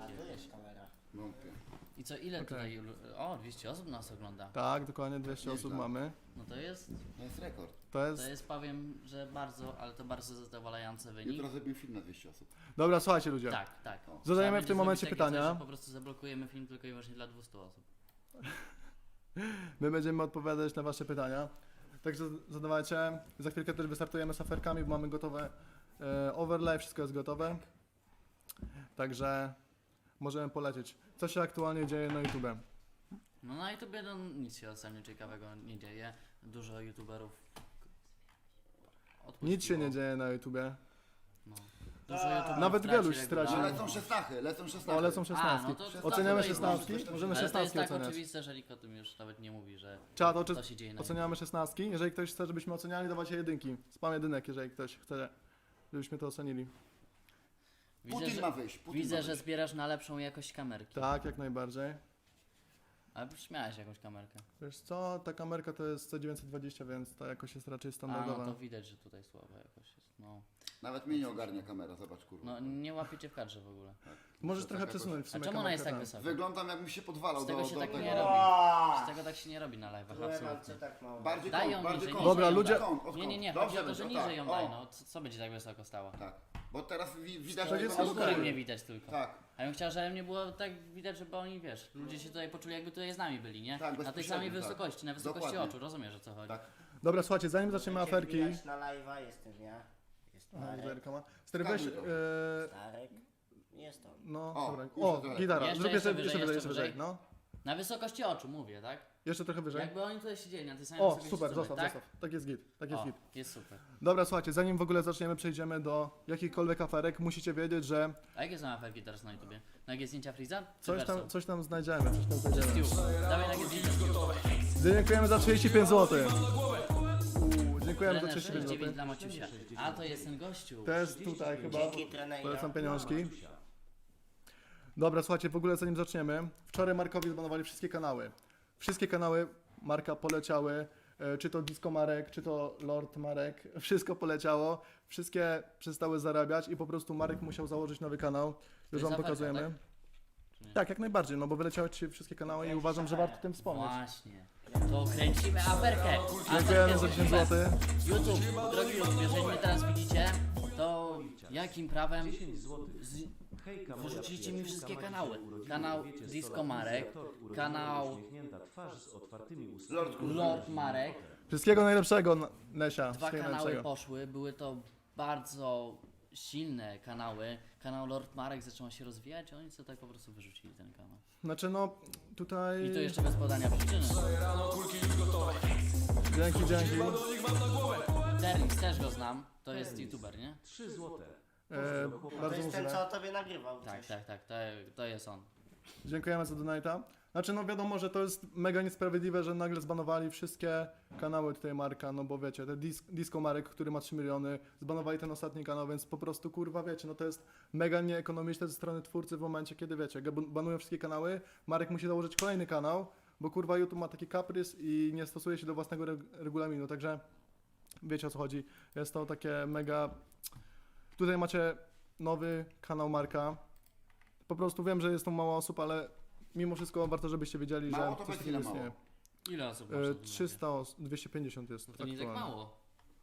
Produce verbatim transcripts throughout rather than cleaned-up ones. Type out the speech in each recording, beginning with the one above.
A tu jest kamera. Wątpię. I co, ile Okej. tutaj... O, dwieście osób nas ogląda. Tak, dokładnie dwieście Nieźle. osób mamy. No to jest... To jest rekord. To jest... To jest, powiem, że bardzo, ale to bardzo zadowalający wynik. Jutro zrobimy film na dwieście osób. Dobra, słuchajcie ludzie. Tak, tak. O. Zadajemy Trzeba w tym będzie momencie zrobić takie pytania. Coś, że po prostu zablokujemy film tylko i wyłącznie dla dwieście osób. My będziemy odpowiadać na wasze pytania. Także zadawajcie. Za chwilkę też wystartujemy z aferkami, bo mamy gotowe e, overlay, wszystko jest gotowe. Także możemy polecieć. Co się aktualnie dzieje na YouTube? No na YouTubie no, nic się ostatnio ciekawego nie dzieje. Dużo YouTuberów odpuściło. Nic się nie dzieje na YouTubie. No. Dużo YouTuberów Nawet traci Geluś stracił. No regularność. lecą szesnachy, lecą szesnachy. O, lecą szesnastki. A, no to- to Oceniamy tak, szesnastki? możesz- Możemy Ale to jest szesnastki tak oceniać. oczywiste, że nikt o tym już nawet nie mówi, że Czad, oczy... co się dzieje na oceniamy szesnastki. Jeżeli ktoś chce, żebyśmy oceniali, dawajcie jedynki. Spam jedynek, jeżeli ktoś chce, żebyśmy to ocenili. Widzę, Putin że, ma wyjść. Putin widzę ma że wyjść. zbierasz na lepszą jakość kamerki. Tak, jak najbardziej. Ale miałeś jakąś kamerkę. Wiesz co, ta kamerka to jest C dziewięćset dwadzieścia, więc ta jakość jest raczej A, standardowa. no to widać, że tutaj słaba jakość jest. No, Nawet mnie nie ogarnia kamera, zobacz kurwa. no nie łapiecie w kadrze w ogóle. Możesz To trochę taka przesunąć w A sumie czemu ona jest tak kamerkę, wysoka? Wyglądam jakbym się podwalał Z tego do, się do tak tego. nie robi. Aaaa! Z tego tak się nie robi na live'ach, Byłem absolutnie. tak mało. Bardziej Daj kąt, ją bardziej niżej, kąt. Dobra, niżej ją ludzie- daj. Kąt, od Nie, nie, nie, kąt. chodzi o to, że będzie, niżej tak. ją daj, O, no. Co, co będzie tak wysoko stała? Tak, bo teraz wi widać, To że jest to Z ma okej. góry góry. mnie widać tylko. Tak, A ja bym chciała, żeby mnie było tak widać, żeby oni, wiesz, ludzie się tutaj poczuli jakby tutaj z nami byli, nie? Tak, Na tej bezpośrednio, samej tak. wysokości, na wysokości Dokładnie. oczu, rozumiesz o co chodzi? tak. Dobra, słuchajcie, zanim zaczniemy Będziecie aferki... wbijać na live'a, jestem ja. Jest Aha, Marek, widzę ma. Stary, weź... Skanuj to. E, Starek. Jest on. no, O, dobra. już O, trochę. gitara. Jeszcze, Zrób jeszcze jeszcze, jeszcze wyżej, wyżej, jeszcze jeszcze wyżej. wyżej. No, Na wysokości oczu mówię, tak? jeszcze trochę wyżej. Jakby oni tutaj siedzieli na tej samej O, wysokości super, co my, zostaw, tak? zostaw. Tak jest git, tak jest O, git. jest super. Dobra, słuchajcie, zanim w ogóle zaczniemy, przejdziemy do jakichkolwiek aferek, musicie wiedzieć, że A jakie są aferki teraz na YouTubie? Nagie zdjęcia Freeza? Czy coś tam, Verso? coś tam znajdziemy, coś tam Czy znajdziemy. Stu? Dawaj nagie zdjęcia Stu. Dziękujemy za trzydzieści pięć złotych. Uuu, dziękujemy za Trener trzydzieści pięć sześćdziesiąt dziewięć złotych. dla Maciusia. A, to jest ten gościu. To jest tutaj chyba, Dzięki trenerze. polecam pieniążki. Dobra, słuchajcie, w ogóle zanim zaczniemy, wczoraj Markowi zbanowali wszystkie kanały. Wszystkie kanały Marka poleciały, e, czy to Disco Marek, czy to Lord Marek, wszystko poleciało, wszystkie przestały zarabiać i po prostu Marek musiał założyć nowy kanał. Już jest wam aferka, pokazujemy. tak? Czy nie? Tak, jak najbardziej, no bo wyleciały ci wszystkie kanały i uważam, że warto o tym wspomnieć. Właśnie. To kręcimy aferkę. Dziękujemy za Aferkę dziesięć zrobimy. złotych. YouTube, drogi YouTube, jeżeli mnie teraz widzicie, to jakim prawem z... wyrzuciliście mi wszystkie kanały? Kanał Disco Marek, kanał Lord Kurwa. Lord Marek, Wszystkiego najlepszego, N- Nesia. dwa Wszystkiego kanały najlepszego. poszły, były to bardzo silne kanały. Kanał Lord Marek zaczął się rozwijać, a oni co tak po prostu wyrzucili ten kanał. Znaczy no, tutaj... I to jeszcze bez podania przyczyny. Dzięki, dzięki. Terlix też go znam, to jest YouTuber, nie? E, To bardzo jest ten, możliwe. co o tobie nagrywał. Tak, coś. tak, tak, to, to jest on. Dziękujemy za donata. Znaczy no wiadomo, że to jest mega niesprawiedliwe, że nagle zbanowali wszystkie kanały tutaj Marka, no bo wiecie, te dis Disco Marek, który ma trzy miliony, zbanowali ten ostatni kanał, więc po prostu kurwa wiecie, no to jest mega nieekonomiczne ze strony twórcy w momencie, kiedy wiecie, ga- banują wszystkie kanały, Marek musi założyć kolejny kanał, bo kurwa YouTube ma taki kaprys i nie stosuje się do własnego reg regulaminu, także wiecie o co chodzi. Jest to takie mega... Tutaj macie nowy kanał Marka. Po prostu wiem, że jest to mało osób, ale mimo wszystko warto, żebyście wiedzieli, Mało że to coś będzie takiego mało. istnieje. Ile osób E, masz? trzysta osób, dwieście pięćdziesiąt jest To nie tak aktualnie. mało.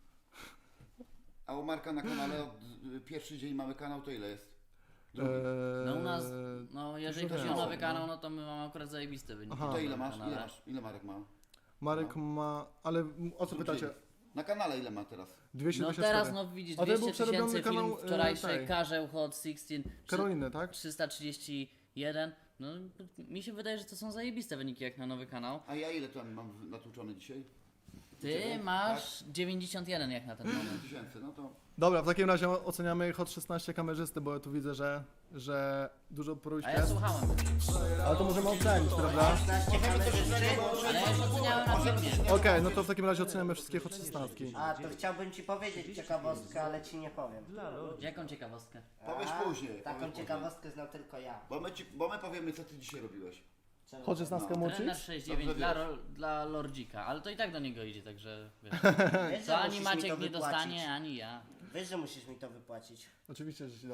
A u Marka na kanale od y, pierwszy dzień mamy kanał, to ile jest? Drugi. Eee, No u nas, no jeżeli dużo chodzi o więcej, nowy no. kanał, no to my mamy akurat zajebiste wyniki. Aha. To ile na masz? kanale. Ile masz? Ile Marek ma? Marek ma, ale o co pytacie? Na kanale ile ma teraz? dwieście No dwadzieścia cztery. teraz no widzisz, A to był dwieście przerobiony tysięcy kanał, film e, wczorajszy, tej. Karzeł Hot szesnaście, Karoliny, tak? trzysta trzydzieści jeden. No mi się wydaje, że to są zajebiste wyniki jak na nowy kanał. A ja ile tam mam w- natłuczone dzisiaj? Ty Ciebie? masz dziewięćdziesiąt jeden jak na ten moment. Tysięcy, no to... Dobra, w takim razie oceniamy Hot szesnaście kamerzysty, bo ja tu widzę, że, że dużo próśb A ja jest. słuchałem, Ale to możemy ocenić, prawda? szesnaście kamerzysty. ale ja już oceniałem na filmie. Okej, no to w takim razie oceniamy wszystkie Hot szesnaście. A, to chciałbym ci powiedzieć ciekawostkę, ale ci nie powiem. Jaką ciekawostkę? Powiesz A, później, Taką powiesz ciekawostkę znam tylko ja. Bo my, ci, bo my powiemy, co ty dzisiaj robiłeś. Czemu? Hot szesnaście No. Trener Mucic? sześćdziesiąt dziewięć dla, Dobrze ro- dla Lordzika, ale to i tak do niego idzie, także wiesz. Wiesz, że To ani musisz mi Maciek to nie wypłacić. dostanie, ani ja. Wiesz, że musisz mi to wypłacić. Oczywiście, że ci dam.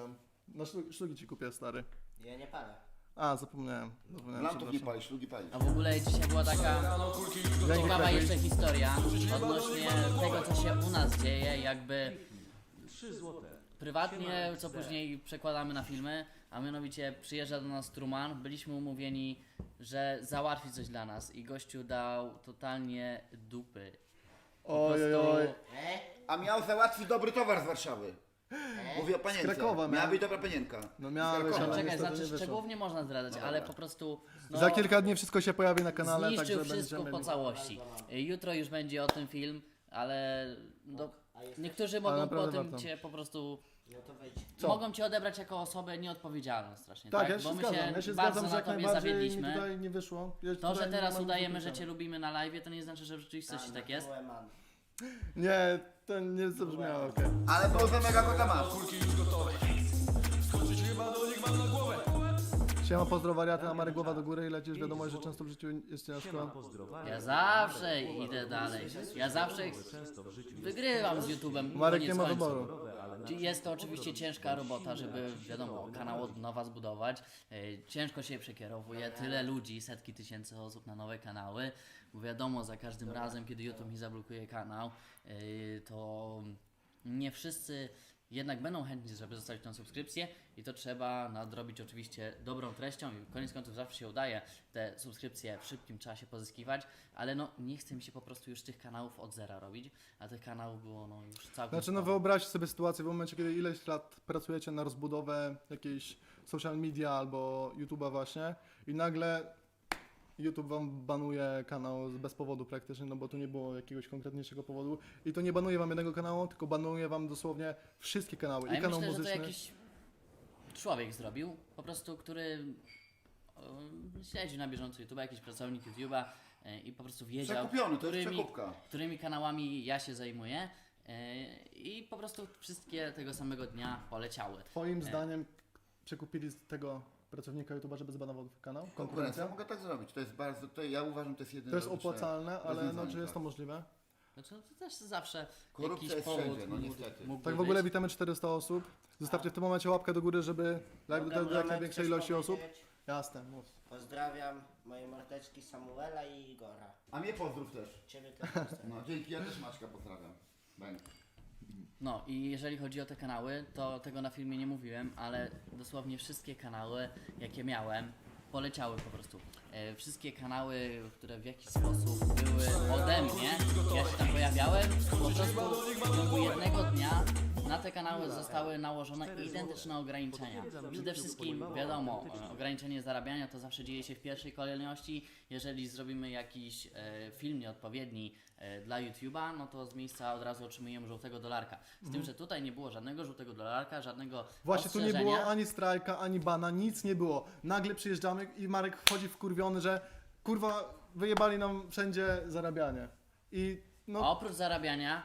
Na szlu- szlugi ci kupię, stary. Ja nie palę. A, zapomniałem. zapomniałem Lantów nie przepraszam. palisz, szlugi palisz. A w ogóle dzisiaj była taka ciekawa jeszcze historia odnośnie tego, co się u nas dzieje, jakby prywatnie, co później przekładamy na filmy, a mianowicie przyjeżdża do nas Truman, byliśmy umówieni, że załatwi coś dla nas i gościu dał totalnie dupy. Po Oj, oj, prostu- oj. E? A miał załatwić dobry towar z Warszawy. Mówię o panience. Krakowa Miała miałem. być dobra panienka. No Z miałeś, Krakowa. ale Czekaj, niestety znaczy nie wyszło. szczegółów nie można zdradzać, No ale dobra. po prostu no, Za kilka dni wszystko się pojawi na kanale, zniszczył także wszystko będziemy... po całości. Jutro już będzie o tym film, ale no, A jesteś? niektórzy Ale mogą po naprawdę tym warto. cię po prostu No to wejdź. Co? mogą cię odebrać jako osobę nieodpowiedzialną strasznie, Tak, tak? ja się Bo my zgadzam, się, ja się bardzo zgadzam, że na jak tobie najbardziej mi zawiedliśmy. tutaj nie wyszło. Ja To, tutaj że nie teraz mam udajemy, nic że do cię lubimy na live, to nie znaczy, że w rzeczywistości tak jest. byłem man. Nie, to nie zabrzmiało, okej. Ale było za mega kota masz. Siema, pozdro wariaty, na Marek głowa do góry i lecisz, wiadomo, że często w życiu jest ciężko. Ja zawsze idę dalej. Ja zawsze wygrywam z YouTube'em. Marek koniec nie ma końców. wyboru. Jest to oczywiście ciężka robota, żeby, wiadomo, kanał od nowa zbudować. E, Ciężko się przekierowuje, tyle ludzi, setki tysięcy osób na nowe kanały. Bo wiadomo, za każdym razem, kiedy YouTube mi zablokuje kanał, e, to nie wszyscy jednak będą chętni, żeby zostawić tą subskrypcję i to trzeba nadrobić oczywiście dobrą treścią i koniec końców zawsze się udaje te subskrypcje w szybkim czasie pozyskiwać, ale no nie chce mi się po prostu już tych kanałów od zera robić, a tych kanałów było no już całkiem Znaczy, no sporo. wyobraźcie sobie sytuację w momencie, kiedy ileś lat pracujecie na rozbudowę jakiejś social media albo YouTube'a właśnie i nagle YouTube wam banuje kanał z- bez powodu praktycznie, no bo tu nie było jakiegoś konkretniejszego powodu i to nie banuje wam jednego kanału, tylko banuje wam dosłownie wszystkie kanały A i ja kanał myślę, że to muzyczny. jakiś człowiek zrobił, po prostu, który e, śledzi na bieżąco YouTube'a, jakiś pracownik YouTube'a e, i po prostu wiedział, Przekupiony, to jest którymi, przekupka. którymi kanałami ja się zajmuję e, i po prostu wszystkie tego samego dnia poleciały. Twoim E. zdaniem przekupili z tego pracownika YouTube'a, żeby zbanował kanał? Konkurencja. Konkurencja? Mogę tak zrobić. To jest bardzo, to ja uważam, to jest jedyne To jest logiczne opłacalne, ale no, rozwiązanie, czy jest to tak. możliwe? Znaczy, to też zawsze Korupcja jakiś jest powód wszędzie, no mógł- niestety. mógłby Tak w ogóle być. witamy czterysta osób. Zostawcie w tym momencie łapkę do góry, żeby live Mogę dotarł do jak Romek największej coś ilości osób. powiedzieć? Jasne, mów. Pozdrawiam moje mordeczki Samuela i Igora. A mnie pozdrów też. Ciebie też pozdrawiam. No dzięki, ja też Maćka pozdrawiam. Bęk. No i jeżeli chodzi o te kanały, to tego na filmie nie mówiłem, ale dosłownie wszystkie kanały, jakie miałem, poleciały po prostu. E, wszystkie kanały, które w jakiś sposób były ode mnie, ja się tam pojawiałem, po prostu w ciągu jednego dnia na te kanały zostały nałożone identyczne ograniczenia. Przede wszystkim, wiadomo, e, ograniczenie zarabiania to zawsze dzieje się w pierwszej kolejności. Jeżeli zrobimy jakiś e, film nieodpowiedni e, dla YouTube'a, no to z miejsca od razu otrzymujemy żółtego dolarka. Z tym, że tutaj nie było żadnego żółtego dolarka, żadnego Właśnie tu nie ostrzeżenia. było ani strajka, ani bana, nic nie było. Nagle przyjeżdżamy i Marek wchodzi wkurwiony, że kurwa wyjebali nam wszędzie zarabianie. I A no oprócz zarabiania,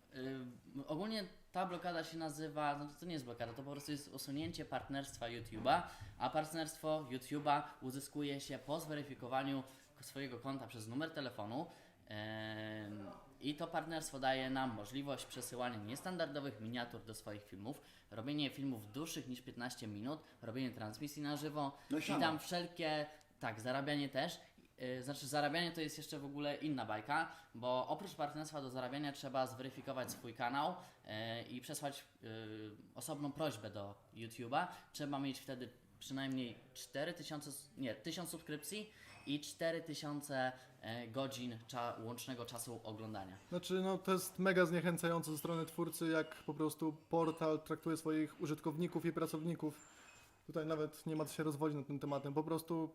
y, ogólnie ta blokada się nazywa, no to, to nie jest blokada, to po prostu jest usunięcie partnerstwa YouTube'a, a partnerstwo YouTube'a uzyskuje się po zweryfikowaniu swojego konta przez numer telefonu. em, I to partnerstwo daje nam możliwość przesyłania niestandardowych miniatur do swoich filmów, robienie filmów dłuższych niż piętnaście minut, robienie transmisji na żywo No i i siano. tam wszelkie, tak, zarabianie też. Yy, Znaczy zarabianie to jest jeszcze w ogóle inna bajka, bo oprócz partnerstwa do zarabiania trzeba zweryfikować swój kanał yy, i przesłać yy, osobną prośbę do YouTube'a. Trzeba mieć wtedy przynajmniej cztery tysiące, nie, tysiąc subskrypcji i cztery tysiące e, godzin cza, łącznego czasu oglądania. Znaczy, no to jest mega zniechęcające ze strony twórcy, jak po prostu portal traktuje swoich użytkowników i pracowników. Tutaj nawet nie ma co się rozwodzić nad tym tematem. Po prostu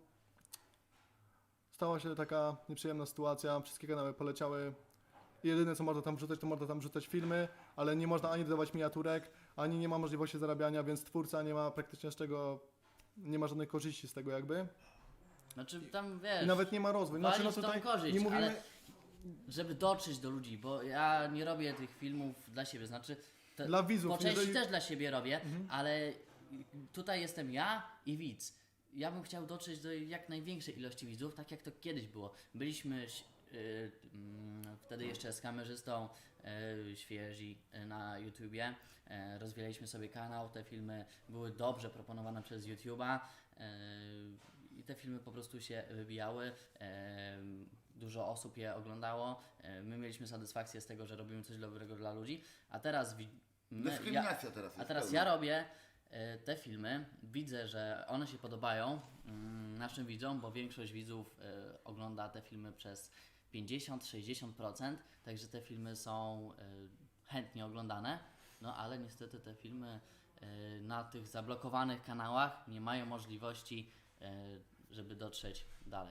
stała się taka nieprzyjemna sytuacja. Wszystkie kanały poleciały. Jedyne co można tam wrzucać, to można tam wrzucać filmy, ale nie można ani dodawać miniaturek, ani nie ma możliwości zarabiania, więc twórca nie ma praktycznie z czego, nie ma żadnej korzyści z tego jakby. Znaczy tam wiesz, I nawet nie ma rozwoju. Znaczy, no walić tą tutaj korzyść, nie mówimy... ale żeby dotrzeć do ludzi, bo ja nie robię tych filmów dla siebie, znaczy te, Dla widzów, po części jeżeli- też dla siebie robię, ale tutaj jestem ja i widz. Ja bym chciał dotrzeć do jak największej ilości widzów, tak jak to kiedyś było. Byliśmy yy, mm, wtedy jeszcze z kamerzystą e, świeżi e, na YouTubie. E, rozwijaliśmy sobie kanał, te filmy były dobrze proponowane przez YouTube'a e, i te filmy po prostu się wybijały. E, dużo osób je oglądało. E, my mieliśmy satysfakcję z tego, że robimy coś dobrego dla ludzi, a teraz wi- my, ja, Dyskryminacja teraz jest a teraz pełna. ja robię e, te filmy, widzę, że one się podobają mm, naszym widzom, bo większość widzów e, ogląda te filmy przez pięćdziesiąt do sześćdziesięciu procent, także te filmy są e, chętnie oglądane, no ale niestety te filmy e, na tych zablokowanych kanałach nie mają możliwości, e, żeby dotrzeć dalej.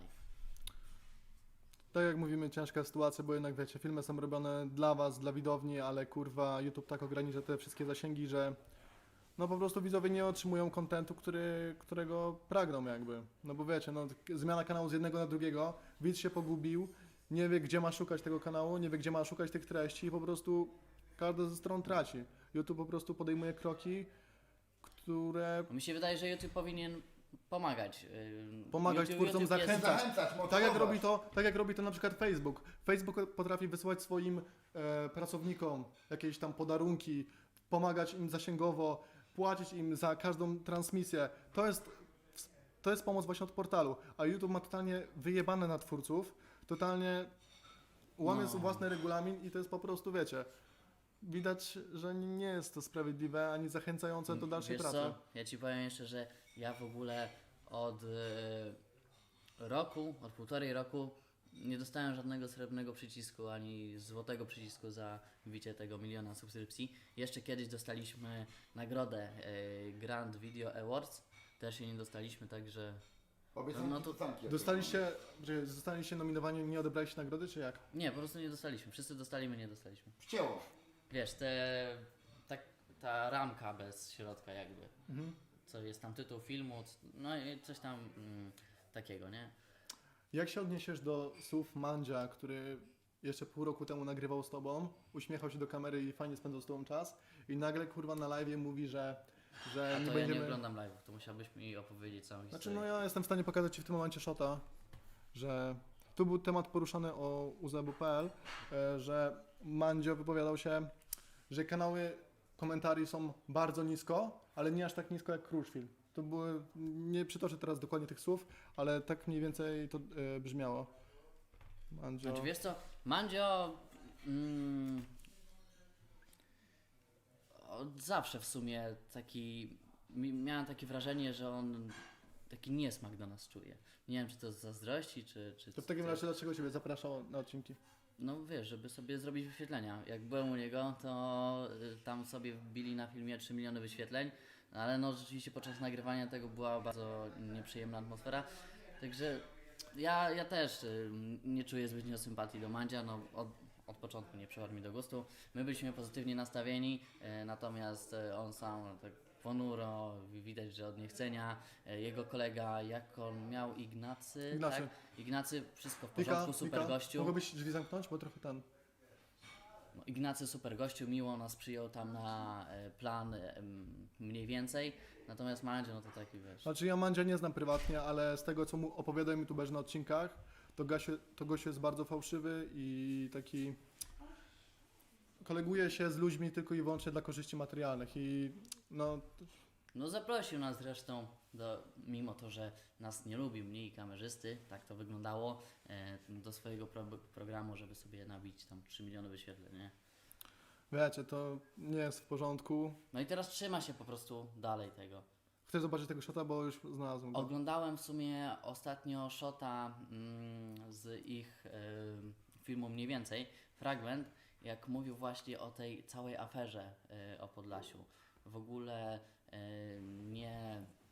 Tak jak mówimy, ciężka sytuacja, bo jednak wiecie, filmy są robione dla was, dla widowni, ale kurwa YouTube tak ogranicza te wszystkie zasięgi, że no po prostu widzowie nie otrzymują kontentu, który, którego pragną jakby. No bo wiecie, no zmiana kanału z jednego na drugiego, widz się pogubił, nie wie gdzie ma szukać tego kanału, nie wie gdzie ma szukać tych treści i po prostu każda ze stron traci. YouTube po prostu podejmuje kroki, które Mi się wydaje, że YouTube powinien pomagać. e, Pomagać YouTube, twórcom, YouTube jest- zachęcać. Zachęcać, motywować. Tak jak robi to, tak jak robi to na przykład Facebook. Facebook potrafi wysłać swoim e, pracownikom jakieś tam podarunki, pomagać im zasięgowo, płacić im za każdą transmisję. To jest, to jest pomoc właśnie od portalu. A YouTube ma totalnie wyjebane na twórców, totalnie łamie No. swój własny regulamin i to jest po prostu, wiecie, widać, że nie jest to sprawiedliwe ani zachęcające do dalszej Wiesz pracy. co? Ja ci powiem jeszcze, że ja w ogóle od e, roku, od półtorej roku nie dostałem żadnego srebrnego przycisku ani złotego przycisku za wbicie tego miliona subskrypcji. Jeszcze kiedyś dostaliśmy nagrodę e, Grand Video Awards, też jej nie dostaliśmy, także Obiecanki, No to- kucanki, jak Dostaliście, że zostaliście nominowani, nie odebraliście nagrody, czy jak? nie, po prostu nie dostaliśmy. Wszyscy dostali, my nie dostaliśmy. Wcięło. Wiesz, te, tak, ta ramka bez środka jakby. Mhm. Co jest tam tytuł filmu, c- no i coś tam mm, takiego, nie? Jak się odniesiesz do słów Mandzia, który jeszcze pół roku temu nagrywał z tobą, uśmiechał się do kamery i fajnie spędzał z tobą czas i nagle kurwa na live mówi, że, że A nie to będziemy... ja nie oglądam live'ów, to musiałbyś mi opowiedzieć całą historię. Znaczy no ja jestem w stanie pokazać ci w tym momencie shota, że tu był temat poruszany o u z e b kropka p l, e, że Mandzio wypowiadał się, że kanały komentarzy są bardzo nisko, ale nie aż tak nisko jak Kruszwil. To były, nie przytoczę teraz dokładnie tych słów, ale tak mniej więcej to e, brzmiało. Mandzio... Znaczy wiesz co, Mandzio mm, od zawsze w sumie taki, mi- miałem takie wrażenie, że on taki niesmak do nas czuje. Nie wiem czy to z zazdrości, czy... czy To w takim czy- razie dlaczego Ciebie zapraszał na odcinki? No wiesz, żeby sobie zrobić wyświetlenia. Jak byłem u niego, to y, tam sobie wbili na filmie trzy miliony wyświetleń, ale no rzeczywiście podczas nagrywania tego była bardzo nieprzyjemna atmosfera. Także ja, ja też y, nie czuję zbytnio sympatii do Mandzia, no od, od początku nie przypadł mi do gustu. My byliśmy pozytywnie nastawieni, y, natomiast y, on sam tak ponuro, widać, że od niechcenia. Y, jego kolega, jak on miał, Ignacy, Ignacy. tak? Ignacy, wszystko w Pika, porządku, super Pika, gościu. mogłabyś drzwi zamknąć, bo trochę ten... No, Ignacy super gościu, miło nas przyjął tam na e, plan e, m, mniej więcej, natomiast Mandzio no to taki wiesz. Znaczy ja Mandzia nie znam prywatnie, ale z tego co mu opowiadają youtuberzy na odcinkach, to Gasiu, to gościu jest bardzo fałszywy i taki... koleguje się z ludźmi tylko i wyłącznie dla korzyści materialnych i no... No zaprosił nas zresztą, do, mimo to, że nas nie lubił, mnie i kamerzysty, tak to wyglądało, e, do swojego pro, programu, żeby sobie nabić tam trzy miliony wyświetleń, nie? Wiecie, to nie jest w porządku. No i teraz trzyma się po prostu dalej tego. Chcę zobaczyć tego shota, bo już znalazłem go. Oglądałem w sumie ostatnio shota mm, z ich y, filmu mniej więcej, fragment, jak mówił właśnie o tej całej aferze y, o Podlasiu. W ogóle y, nie